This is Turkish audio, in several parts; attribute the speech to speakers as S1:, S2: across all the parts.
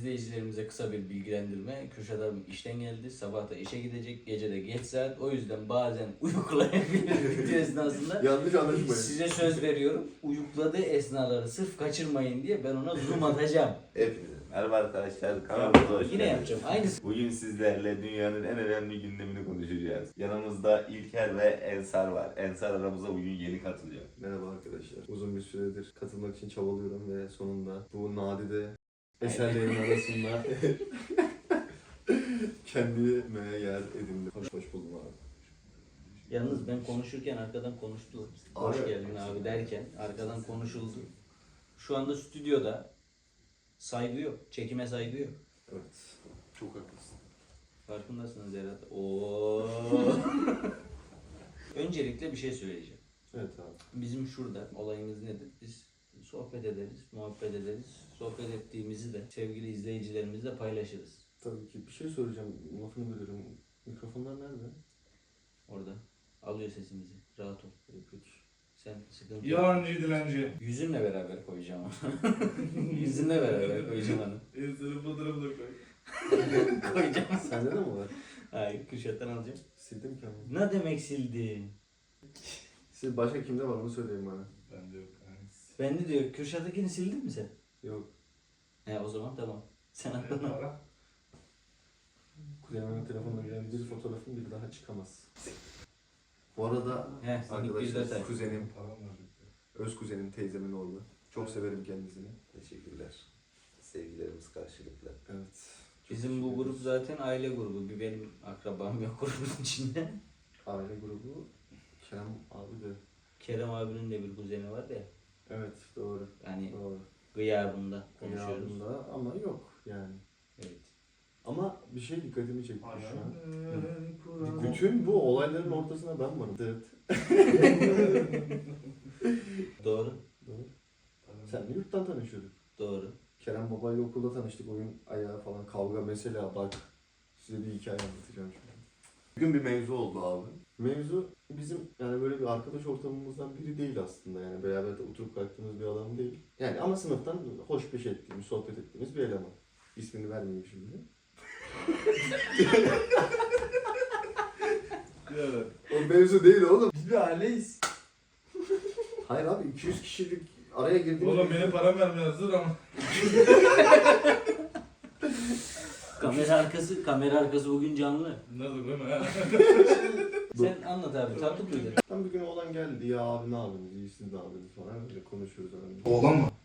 S1: izleyicilerimize kısa bir bilgilendirme. Kürşat abim işten geldi. Sabah da işe gidecek. Gece de geç saat. O yüzden bazen uyuklayabilir video esnasında.
S2: Yanlış anlaşmayın.
S1: Size söz veriyorum. Uyukladığı esnaları sırf kaçırmayın diye ben ona zoom atacağım.
S3: Hepinize merhaba arkadaşlar, kanalımıza hoş
S1: Yine
S3: geldiniz.
S1: yapacağım. Aynısı.
S3: Bugün sizlerle dünyanın en önemli gündemini konuşacağız. Yanımızda İlker ve Ensar var. Ensar aramıza bugün yeni katılacak.
S2: Merhaba arkadaşlar. Uzun bir süredir katılmak için çabalıyorum ve sonunda bu nadide eserlerin arasında kendime yer edindim. Hoş buldum abi.
S1: Yalnız ben konuşurken arkadan konuştular. Hoş geldin abi derken arkadan konuşuldu. Şu anda stüdyoda saygı yok. Çekime saygı yok.
S2: Evet. Çok haklısın.
S1: Farkındasınız herhalde. Oo. Öncelikle bir şey söyleyeceğim.
S2: Evet abi.
S1: Bizim şurada olayımız nedir? Biz sohbet ederiz, muhabbet ederiz. Sohbet ettiğimizi de sevgili izleyicilerimizle paylaşırız.
S2: Tabii ki bir şey soracağım. Lafını bölüyorum. Mikrofonlar nerede?
S1: Orada. Alıyor sesimizi. Rahat ol.
S2: Peki.
S1: Sen sıkıntı yok.
S4: Yalancı dilenci.
S1: Yüzünle beraber koyacağım onu. Yüzünle beraber koyacağım onu.
S4: Ensar'ın fotoğrafını da koy.
S1: Koyacağım.
S2: Sende de mi var?
S1: Hayır, Kürşat'tan alacağım.
S2: Sildim ki ama.
S1: Ne demek sildi?
S2: Siz başka kimde var onu söyleyin bana.
S4: Bende yok.
S1: Ben de diyor, Kürşat'takini sildin mi sen?
S2: Yok.
S1: He o zaman tamam. Sen
S4: Ne
S1: aklına.
S4: para?
S2: Kuzenimin telefonuna gelen bir fotoğrafım bir daha çıkamaz. Bu arada
S1: He, senin bir detay.
S2: arkadaşlar kuzenim,
S4: Param var.
S2: öz kuzenim, teyzemin oğlu. Çok severim kendisini.
S3: Teşekkürler. Sevgilerimiz karşılıklı.
S2: Evet.
S1: Bizim bu grup zaten aile grubu. Bir benim akrabam yok grubun içinde.
S2: Aile grubu Kerem abi de.
S1: Kerem abinin de bir kuzeni var ya.
S2: Evet doğru.
S1: Yani
S2: Doğru.
S1: gıyabında konuşuyoruz.
S2: Konuşuyoruz. Ama yok yani.
S1: Evet.
S2: Ama bir şey dikkatimi çekti şu an.
S4: Kur'an.
S2: Bütün bu olayların ortasına ben varım. Evet.
S1: Doğru.
S2: Doğru. Sen de yurttan tanışıyorduk.
S1: Doğru.
S2: Kerem babayla okulda tanıştık. Oyun ayağı falan kavga mesela bak. Size bir hikaye anlatacağım şimdi. Bugün bir mevzu oldu abi. Mevzu bizim yani böyle bir arkadaş ortamımızdan biri değil aslında yani beraber de oturup kalktığımız bir adam değil. Yani ama sınıftan hoş beş ettiğimiz, sohbet ettiğimiz bir eleman. İsmini vermeyeyim şimdi.
S4: Evet.
S2: O mevzu değil oğlum.
S1: Biz bir aileyiz.
S2: Hayır abi 200 kişilik araya girdiğimiz...
S4: Oğlum benim param vermiyordur ama.
S1: Kamera arkası bugün canlı.
S4: Nasıl değil mi?
S1: Sen anlat abi, tatlı duydun.
S2: Ben bir gün oğlan geldi ya abi ne yapıyorsunuz, iyisiniz ne yapıyorsunuz falan öyle konuşuyoruz öyle.
S4: Oğlan mı?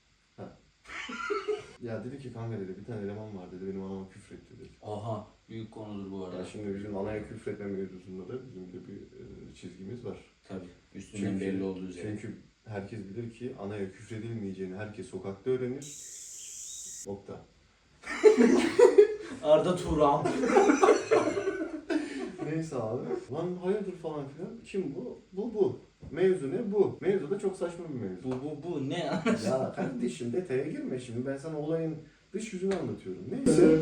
S2: Ya dedi ki kanka dedi bir tane eleman var dedi benim anama küfretti dedi.
S1: Aha, büyük konudur bu arada.
S2: Ya şimdi bizim anaya küfretme mevzusunda da bizim de bir çizgimiz var.
S1: Tabii, üstünden belli olduğu üzere.
S2: Çünkü herkes bilir ki anaya küfredilmeyeceğini herkes sokakta öğrenir. Nokta.
S1: Arda Turan.
S2: Neyse abi. Lan hayırdır falan filan. Kim bu? Bu. Mevzu ne? Bu. Mevzu da çok saçma bir mevzu.
S1: Bu ne?
S2: Ya kardeşim detaya girme şimdi. Ben sana olayın dış yüzünü anlatıyorum. Neyse.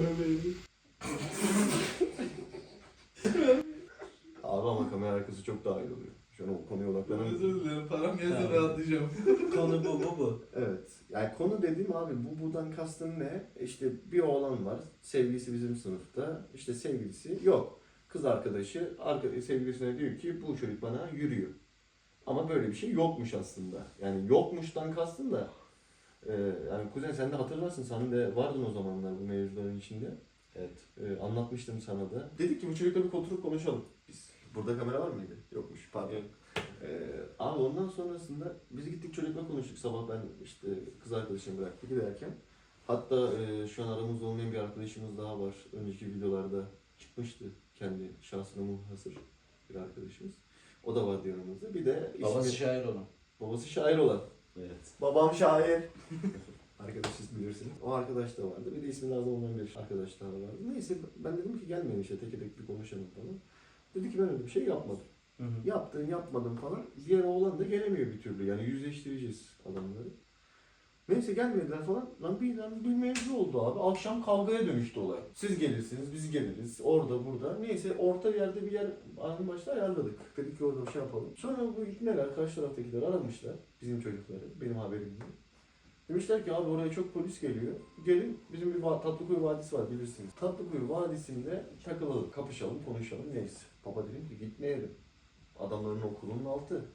S2: Abi ama kamera arkası çok daha iyi oluyor. Şu an o konuya odaklanamıyorum.
S4: Özür dilerim. Param gelse
S1: Tamam.
S4: rahatlayacağım.
S1: Konu bu.
S2: Evet. Yani konu dediğim abi buradan kastım ne? İşte bir oğlan var. Sevgilisi bizim sınıfta. İşte sevgilisi yok. Kız arkadaşı sevgilisine diyor ki bu çocuk bana yürüyor. Ama böyle bir şey yokmuş aslında. Yani yokmuştan kastım da yani kuzen sen de hatırlarsın. Sen de vardın o zamanlar bu mevzuların içinde.
S3: Evet.
S2: Anlatmıştım sana da. Dedik ki bu çocukla bir oturup konuşalım. Biz. Burada kamera var mıydı? Yokmuş pardon.
S1: Yok.
S2: Abi ondan sonrasında biz gittik çocukla konuştuk sabah ben işte kız arkadaşımı bıraktık giderken. Hatta şu an aramızda olmayan bir arkadaşımız daha var. Önceki videolarda çıkmıştı kendi şahsına munhasır bir arkadaşımız. O da vardı yanımızda. Bir de
S1: Babası şair olan.
S2: babası şair olan.
S1: Evet.
S2: Babam şair. Arkadaş siz bilirsiniz. O arkadaş da vardı. Bir de ismi lazım olmayan bir arkadaş daha vardı. Neyse ben dedim ki gelmeyin işte tek tek bir konuşalım falan. Dedi ki ben öyle bir şey yapmadım.
S1: Hı hı.
S2: Yaptın yapmadın falan. Diğer oğlan da gelemiyor bir türlü. Yani yüzleştireceğiz adamları. Neyse gelmediler falan. Lan bir mevzu oldu abi. Akşam kavgaya dönüştü olay. Siz gelirsiniz, biz geliriz. Orada burada. Neyse orta yerde bir yer aynı başta ayarladık. Dedik ki orada bir şey yapalım. Sonra bu ikneler, karşı taraftakiler aramışlar. Bizim çocukları. Benim haberim yok. Demişler ki abi oraya çok polis geliyor. Gelin bizim bir Tatlıkuyu Vadisi var bilirsiniz. Tatlıkuyu Vadisi'nde takılalım, kapışalım, konuşalım neyse. Baba dedim ki gitmeyelim. Adamların okulunun altı.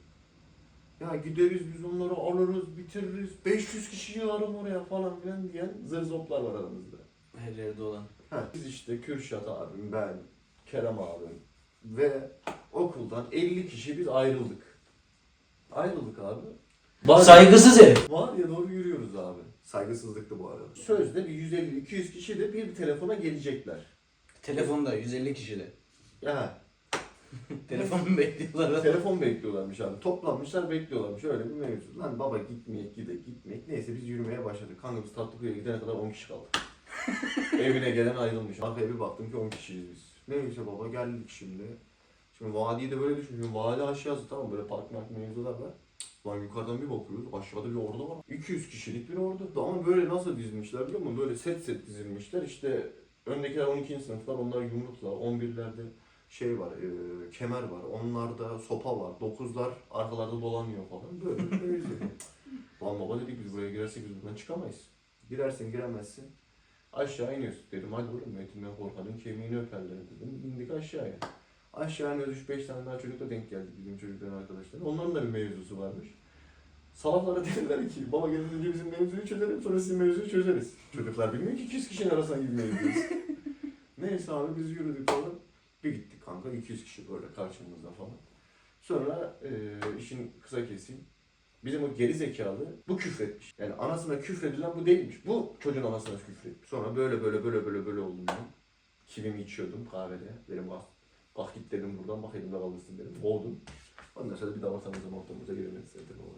S2: Ya gideriz biz onları alırız, bitiririz. 500 kişi yığarım oraya falan filan diyen zırzoplar var aramızda.
S1: Her yerde olan.
S2: Biz işte Kürşat abim, ben, Kerem abim ve okuldan 50 kişi biz ayrıldık. Ayrıldık abi.
S1: Saygısız herif.
S2: Var ya doğru yürüyoruz abi. Saygısızlıktı bu arada. Sözde bir 150-200 kişi de bir telefona gelecekler.
S1: Telefonda 150 kişide.
S2: Ya
S1: Telefon mu bekliyorlar?
S2: telefon bekliyorlarmış abi. Toplanmışlar bekliyorlarmış. Öyle bir mevzu. Lan baba gitmeyek gitmeyek. Neyse biz yürümeye başladık. Kanka biz Tatlıkuyu'ya gidene kadar 10 kişi kaldı. Evine gelen ayrılmış. Arkaya bir baktım ki 10 kişiyiz biz. Neyse baba geldik şimdi. Şimdi vadiyi de böyle düşünüyorum. Vadi aşağısı tamam böyle park mevzular var. Lan yukarıdan bir bakıyoruz. Aşağıda bir ordu var. 200 kişilik bir ordu. Ama böyle nasıl dizmişler biliyor musun? Böyle set dizilmişler. İşte öndekiler 12. sınıflar. Onlar yumrukla. 11'lerde şey var, kemer var. Onlarda sopa var. 9'lar arkalarda dolanıyor falan. Böyle bir mevzu. Lan baba dedik biz buraya girersek biz buradan çıkamayız. Girersin giremezsin. Aşağı iniyorsun dedim. Hadi oğlum etinden korkanın kemiğini öperler dedim. İndik aşağıya. Aşağı iniyoruz 3-5 tane daha çocukla denk geldik bizim çocukların arkadaşları. Onların da bir mevzusu varmış. Salaflara dediler ki baba gelin önce bizim mevzuyu çözelim sonra sizin mevzuyu çözeriz. Çocuklar bilmiyor ki 200 kişinin arasına girmeyiz biz. Neyse abi biz yürüdük falan. Bir gittik kanka 200 kişi böyle karşımızda falan. Sonra işin kısa keseyim. Bizim o geri zekalı bu küfretmiş. Yani anasına küfredilen bu değilmiş. Bu çocuğun anasına küfretmiş. Sonra böyle oldum ben. Kivimi içiyordum kahvede. Dedim bak git dedim buradan bak elimde kalırsın dedim. Boğdum. Ondan sonra bir daha ortamıza giremedi zaten o.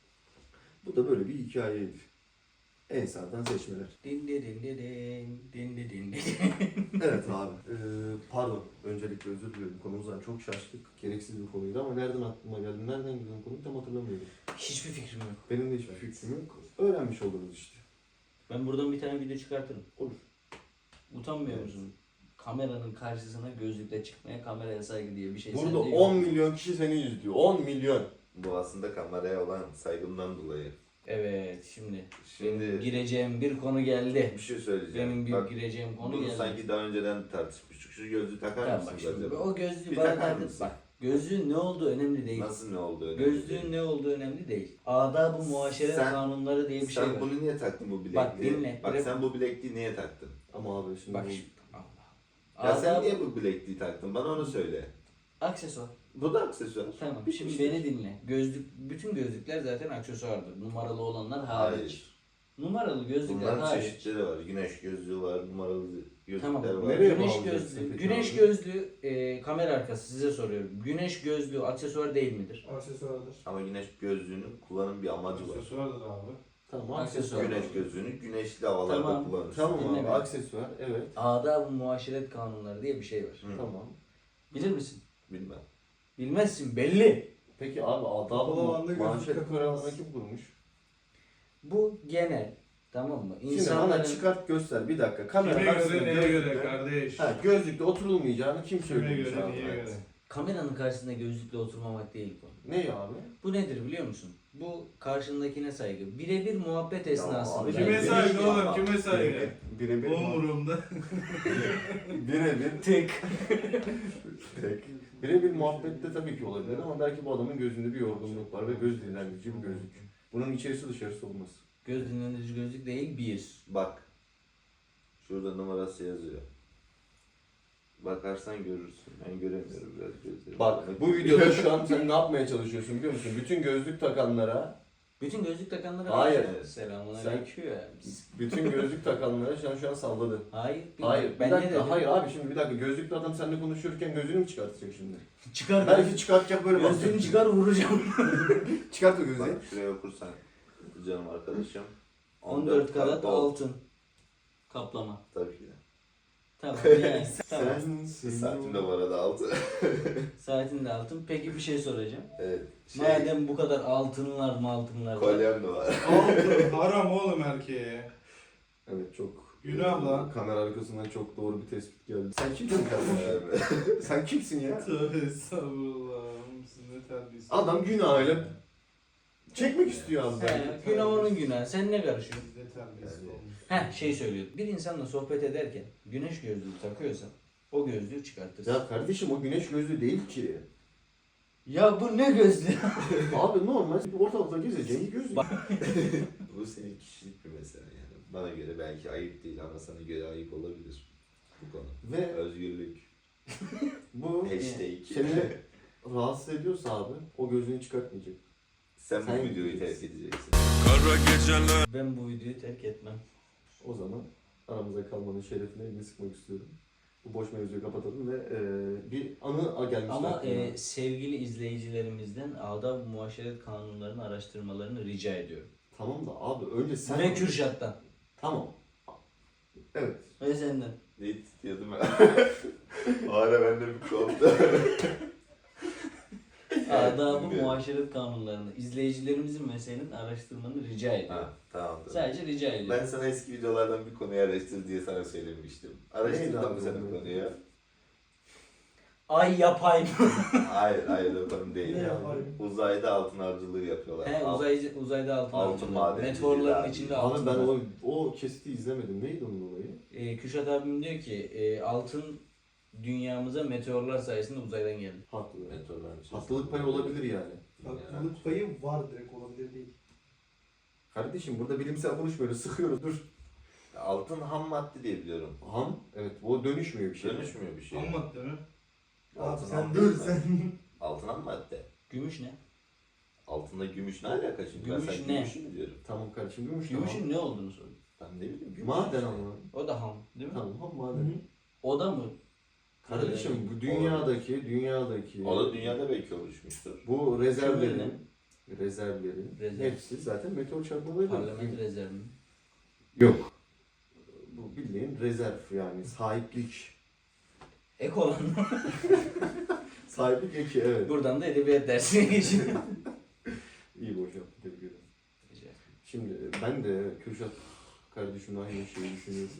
S2: Bu da böyle bir hikayeydi. Ensar'dan seçmeler.
S1: Din din din din din din din.
S2: Evet abi. Pardon. Öncelikle özür diliyorum. Konumuzdan çok şaştık. Gereksiz bir konuydu ama nereden aklıma geldi, nereden gidiyor konuyu tam hatırlamıyorum.
S1: Hiçbir fikrim yok.
S2: Benim de hiçbir fikrim yok. Öğrenmiş oluruz işte.
S1: Ben buradan bir tane video çıkartırım.
S2: Olur.
S1: Utanmıyor
S2: Evet.
S1: musun? Kameranın karşısına gözlükle çıkmaya kameraya saygı diye bir şey
S2: Burada
S1: sende yok.
S2: 10 milyon kişi seni izliyor. 10 milyon.
S3: Bu aslında kameraya olan saygımdan dolayı.
S1: Evet şimdi
S3: Şimdi
S1: gireceğim bir konu geldi.
S3: bir şey söyleyeceğim.
S1: Benim bir
S3: Bak,
S1: gireceğim konu
S3: bunu
S1: geldi.
S3: sanki daha önceden tartışmıştık. Şu gözlüğü takar
S1: Tamam bak
S3: mısınız
S1: şimdi
S3: acaba?
S1: o gözlüğü
S3: Bir
S1: bana
S3: takar
S1: takın.
S3: mısın?
S1: Bak gözlüğün ne olduğu önemli değil.
S3: Nasıl ne oldu önemli
S1: Gözlüğün
S3: değil.
S1: ne olduğu önemli değil. Adab-ı muaşeret
S3: Sen-
S1: kanunları diye bir şey
S3: Sen
S1: var.
S3: bunu niye taktın bu bilekliği?
S1: Bak dinle.
S3: Bak sen bu bilekliği niye taktın?
S2: Ama abi şimdi
S1: Bak
S2: bu...
S1: şimdi. Allah.
S3: Ya sen
S1: Adab-
S3: niye bu bilekliği taktın? Bana onu söyle.
S1: Aksesuar.
S3: Bu da aksesuar.
S1: Tamam.
S3: Bitmiştir.
S1: Şimdi beni dinle. Bütün gözlükler zaten aksesuardır. Numaralı olanlar hariç.
S3: Hayır.
S1: Numaralı gözlükler
S3: Bunların
S1: hariç.
S3: çeşitleri var. Güneş gözlüğü var, numaralı gözlükler
S1: Tamam.
S3: var.
S2: Nereye
S1: Güneş
S2: bağlayacaksın
S1: gözlüğü,
S2: peki
S1: güneş
S2: abi?
S1: gözlüğü kamera arkası size soruyorum. Güneş gözlüğü aksesuar değil midir?
S4: Aksesuardır.
S3: Ama güneş gözlüğünün kullanım bir amacı var.
S4: Aksesuardır abi.
S2: Tamam
S1: Aksesuar.
S2: aksesuar.
S3: Güneş gözlüğünü güneşli havalarda
S1: Tamam.
S3: kullanırsın.
S2: Tamam
S1: Dinle
S2: abi
S1: beni.
S2: aksesuar evet.
S1: Adab-ı muaşeret kanunları diye bir şey var.
S3: Hı.
S2: Tamam.
S1: Bilir misin?
S3: Bilmem.
S1: Bilmezsin belli.
S2: Peki abi
S4: Kapalı alanda
S2: adab-ı
S4: gözlük
S2: manşet
S4: takılmaz.
S2: kuralını kim kurmuş?
S1: Bu genel. Tamam mı?
S2: Şimdi bana
S1: İnsanların
S2: çıkart göster bir dakika. Kamera
S4: Kime
S2: karşısında
S4: göre neye göre
S2: gözlükle-
S4: kardeş?
S2: Ha, gözlükte oturulmayacağını kim
S4: Kime
S2: söylemiş
S4: göre
S2: abi?
S4: neye göre?
S1: kameranın karşısında gözlükle oturmamak değil bu.
S2: Ne abi?
S1: Bu nedir biliyor musun? Bu karşındakine saygı. Birebir muhabbet esnasında.
S2: abi,
S4: Kime
S2: Yani
S4: saygı
S2: birebir-
S4: oğlum? Kime saygı?
S2: Birebir
S4: Umurumda.
S2: birebir
S1: Tek.
S2: tek. Birebir muhabbette tabii ki olabilir ama belki bu adamın gözünde bir yorgunluk var ve göz dinlendirici bir gözlük. Bunun içerisi dışarısı olmaz.
S1: Göz dinlendirici gözlük değil bir.
S3: Bak. Şurada numarası yazıyor. Bakarsan görürsün. Ben göremiyorum biraz gözlerimi.
S2: Bak bu videoda şu an sen ne yapmaya çalışıyorsun biliyor musun? Bütün gözlük takanlara,
S1: Bütün gözlük takanlara
S2: Hayır.
S1: Selamun
S2: Sen-
S1: aleyküm.
S2: bütün gözlük takanlara şu an salladın.
S1: Hayır.
S2: Hayır,
S1: Ben
S2: bir
S1: ne
S2: dakika,
S1: dedim?
S2: hayır abi şimdi bir dakika gözlüklü adam seninle konuşurken gözünü mü çıkartacak şimdi?
S1: Çıkar.
S2: Belki çıkartacak böyle bak.
S1: Gözlüğünü çıkar vuracağım.
S2: Çıkart o gözlüğü.
S3: Bak şuraya okursan canım arkadaşım.
S1: 14 karat altın. Kaplama.
S3: Tabii ki de.
S1: Tamam yani. Tamam.
S2: Sensin.
S3: Saatim de bu arada 6.
S1: Saatin de altın. Peki bir şey soracağım.
S3: Evet.
S1: Madem bu kadar altınlar var.
S3: Kolyem de var.
S4: Altın haram oğlum erkeğe.
S2: Evet çok.
S4: Günah lan.
S2: Kamera arkasından çok doğru bir tespit geldi. Sen kimsin kardeşim? Sen kimsin ya?
S4: Tövbe estağfurullah. Siz ne terbiyesiz.
S2: Adam günahıyla Çekmek istiyor abi.
S1: He, günah onun günahı. Sen ne karışıyorsun?
S4: Bizde terbiyesiz
S3: Yani.
S4: olmuş.
S1: Şey söylüyor. Bir insanla sohbet ederken güneş gözlüğü takıyorsan o gözlüğü çıkartırsın.
S2: Ya kardeşim o güneş gözlüğü değil ki.
S1: Ya bu ne gözlüğü?
S2: Abi normal ortalıkta gezeceğin bir gözlük.
S3: Bu senin kişilik bir mesele yani. Bana göre belki ayıp değil ama sana göre ayıp olabilir bu konu.
S2: Ve
S3: Özgürlük.
S2: bu
S3: Hashtag.
S2: seni rahatsız ediyorsa abi o gözlüğünü çıkartmayacak.
S3: Sen bu
S2: Sen
S3: videoyu terk
S2: gideceksin.
S3: edeceksin.
S1: Ben bu videoyu terk etmem.
S2: O zaman aramıza kalmanın şerefine elini sıkmak istiyorum. Bu boş mevzuyu kapatalım ve bir anı gelmişti
S1: Ama
S2: aklıma.
S1: sevgili izleyicilerimizden adab-ı muaşeret kanunlarını araştırmalarını rica ediyorum.
S2: Tamam da abi önce sen...
S1: Ve Kürşat'tan.
S2: Tamam. Evet.
S1: Ve senden.
S3: Ne diyordum ben? O ara bende bir koptu.
S1: Adab-ı
S3: bilmiyorum.
S1: muaşeret kanunlarını izleyicilerimizin meselenin araştırmanı rica ediyorum.
S3: Ha, tamamdır.
S1: Sadece rica ediyorum.
S3: Ben sana eski videolardan bir konuyu araştır diye sana söylemiştim. Araştırdın
S2: Neydi
S3: mı
S2: abi
S3: sen
S2: o?
S3: o konuyu?
S1: Ay yapay mı?
S3: Hayır o konu değil.
S4: Ne yapayım?
S3: Uzayda altın avcılığı yapıyorlar.
S1: He, uzayda altın
S3: Altın
S1: avcılığı.
S3: madenciliği
S1: Meteorların
S3: abi.
S1: içinde
S2: Abi
S1: altın
S2: ben
S1: var.
S2: o kesiti izlemedim. Neydi onun olayı?
S1: Kürşat abim diyor ki altın dünyamıza meteorlar sayesinde uzaydan geldi.
S2: Haklı.
S3: Meteorların içerisinde.
S2: Haklılık payı olabilir yani.
S4: Haklılık payı var, direkt olabilir değil.
S2: Kardeşim burada bilimsel konuşmuyoruz. Sıkıyoruz. Dur.
S3: Altın ham madde diye biliyorum.
S2: Ham. Evet. O dönüşmüyor bir şey.
S3: Dönüşmüyor bir şey.
S4: Ham madde mi? Abi
S3: Altın
S4: sen
S3: ham
S4: dur
S3: değil mi?
S4: sen.
S3: Altın ham madde.
S1: Gümüş ne?
S3: Altında gümüş ne alaka şimdi?
S1: Gümüş
S3: ben sen
S1: ne?
S3: gümüşü mü diyorum?
S2: Tamam kardeşim. Gümüş
S1: Gümüşün ne olduğunu soruyor.
S3: Ben ne bileyim gümüş.
S2: Maden ama.
S1: O da ham değil mi?
S2: Tamam ham maden.
S1: O da mı?
S2: Kardeşim bu dünyadaki
S3: O da dünyada belki oluşmuştur.
S2: bu rezervlerin
S1: Rezerv.
S2: hepsi zaten meteor çarpmalarıyla.
S1: Parlament rezervi mi?
S2: Yok. Bu bildiğin rezerv yani sahiplik.
S1: Ek olan mı?
S2: Sahiplik eki evet.
S1: Buradan da edebiyat dersine geçelim.
S2: İyi boş yaptı tebrik ederim. Şimdi ben de Kürşat kardeşimle aynı şeyi düşünüyorum.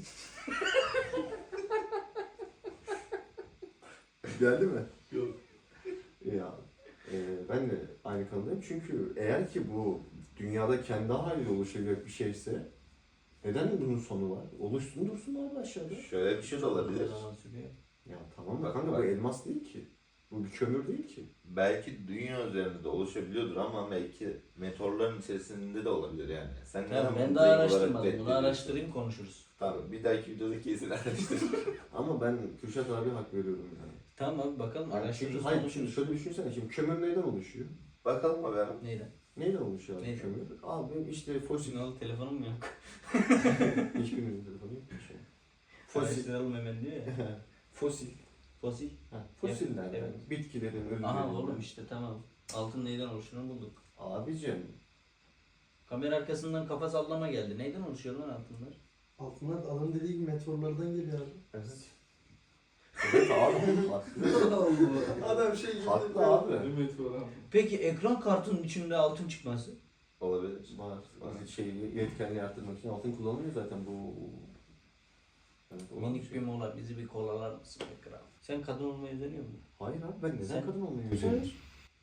S2: Geldi mi?
S3: Yok.
S2: Ya ben de aynı kanıdayım çünkü eğer ki bu dünyada kendi haliyle oluşacak bir şeyse neden bunun sonu var? Oluşsun dursun abi aşağıda.
S3: Şöyle bir şey de olabilir.
S1: Zaman sürüyor.
S2: Ya tamam da
S3: Bak,
S2: kanka
S3: bak.
S2: bu elmas değil ki. Bu bir kömür değil ki.
S3: Belki dünya üzerinde de oluşabiliyordur ama belki meteorların içerisinde de olabilir yani. Sen
S1: Tamam,
S3: neden
S1: ben
S3: bunu
S1: daha
S3: direkt olarak
S1: araştırmadım. Bunu
S3: reddediyorsun?
S1: araştırayım konuşuruz.
S3: Tamam bir dahaki videoda kesin araştır.
S2: Ama ben Kürşat abi hak veriyorum yani.
S1: Tamam abi bakalım
S2: Yani
S1: araştırırız
S2: çünkü, hayır şimdi
S1: konuşuruz.
S2: şöyle düşünsene şimdi kömür neyden oluşuyor?
S3: Bakalım mı ben?
S1: Neyden?
S2: Neyden oluşuyor abi
S1: Neyden?
S2: kömür? Abi işte fosil.
S1: Signal telefonum mu yok?
S2: Hiçbirimizin telefonu yok mu şey?
S1: Fosil.
S2: Fosil.
S1: Hemen diyor ya.
S2: Fosil.
S1: Fosil.
S2: Ha, fosiller
S1: Evet.
S2: yani. Bitkilerin ölümlerinden.
S1: Aha oğlum işte tamam. Altın neyden oluştuğunu bulduk.
S2: Abicim.
S1: Kamera arkasından kafa sallama geldi. Neyden oluşuyor lan altınlar?
S5: Altınlar adam dediği gibi meteorlardan geliyor abi.
S2: Evet. Evet abi. Haklı.
S5: Adam şey gibi.
S2: Haklı abi.
S4: Evet falan.
S1: Peki ekran kartının içinde altın çıkması?
S3: Olabilir.
S2: Var. Şeyi yetkenliği arttırmak için altın kullanılıyor zaten bu. Evet, olan
S1: Minik
S2: bir
S1: bir
S2: şey.
S1: mola bizi bir kolalar mısın ekran? Sen kadın olmayı özeniyor musun?
S2: Hayır abi ben neden
S1: Sen-
S2: kadın olmayı özeniyorum?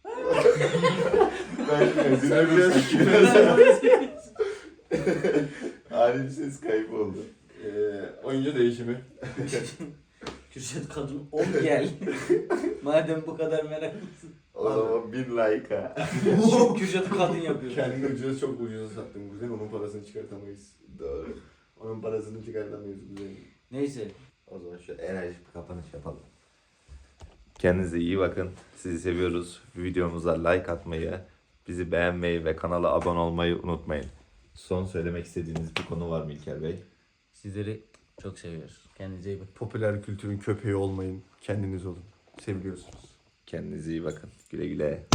S3: Ani bir ses kaybı oldu.
S2: Oyuncu değişimi.
S1: Kürşat kadın ol gel. Madem bu kadar meraklısın.
S3: O zaman 1000 like ha.
S1: Kürşat'ı kadın yapıyor.
S2: Kendini ucuza çok ucuza sattım kuzen. Onun parasını çıkartamayız.
S3: Doğru.
S2: Onun parasını çıkartamayız kuzen.
S1: Neyse.
S3: O zaman şöyle enerjik bir kapanış yapalım. Kendinize iyi bakın. Sizi seviyoruz. Videomuza like atmayı, bizi beğenmeyi ve kanala abone olmayı unutmayın. Son söylemek istediğiniz bir konu var mı İlker Bey?
S1: Sizleri çok seviyoruz. Kendinize iyi bakın.
S2: Popüler kültürün köpeği olmayın. Kendiniz olun. Seviyorsunuz.
S3: Kendinize iyi bakın. Güle güle.